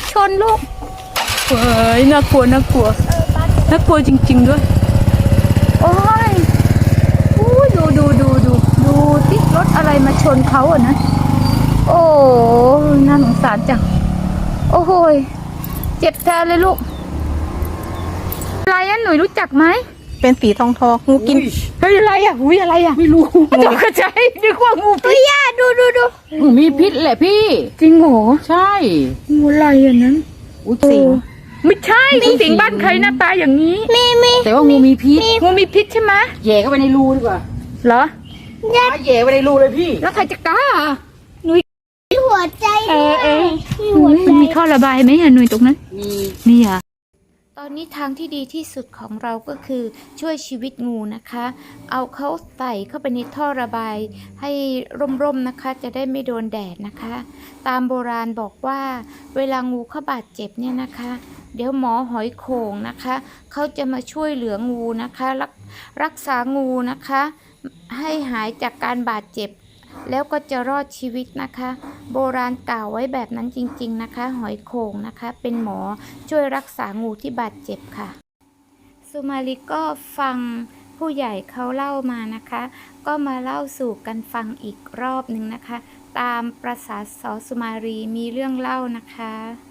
ชนลูกเฮ้ยน่ากลัวน่ากลัวน่ากลัวจริงๆด้วยโอ้ยอู้ดูที่รถอะไรมาชนเขาอ่ะนะโอ้น่าสงสารจังโอ้โหเจ็บแทนเลยลูกอะไรอ่ะหนุ่ยรู้จักไหมเป็นสีทองงูกินเฮ้ยอะไรอ่ะอุ้ยอะไรอ่ะไม่รู้ตกใจนึกว่างูพิษย่าดูงูมีพิษแหละพี่จริงเหรอใช่งูอะไรอ่ะนั้นสิงไม่ใช่งูสิงบ้านใครหน้าตาอย่างนี้มีแต่ว่างูมีพิษงูมีพิษใช่ไหมแย่เข้าไปในรูดีกว่าเหรอแย่ไปในรูเลยพี่แล้วใครจะกล้าหนุ่ยหัวใจมีท่อระบายไหมอ่ะหนุ่ยตรงนั้นมีอ่ะตอนนี้ทางที่ดีที่สุดของเราก็คือช่วยชีวิตงูนะคะเอาเขาใส่เข้าไปในท่อระบายให้ร่มๆนะคะจะได้ไม่โดนแดดนะคะตามโบราณบอกว่าเวลางูเขาบาดเจ็บเนี่ยนะคะเดี๋ยวหมอหอยโข่งนะคะเขาจะมาช่วยเหลืองูนะคะรักษางูนะคะให้หายจากการบาดเจ็บแล้วก็จะรอดชีวิตนะคะโบราณกล่าวไว้แบบนั้นจริงๆนะคะหอยโข่งนะคะเป็นหมอช่วยรักษางูที่บาดเจ็บค่ะสุมาลีก็ฟังผู้ใหญ่เขาเล่ามานะคะก็มาเล่าสู่กันฟังอีกรอบหนึ่งนะคะตามประสาสอสุมาลีมีเรื่องเล่านะคะ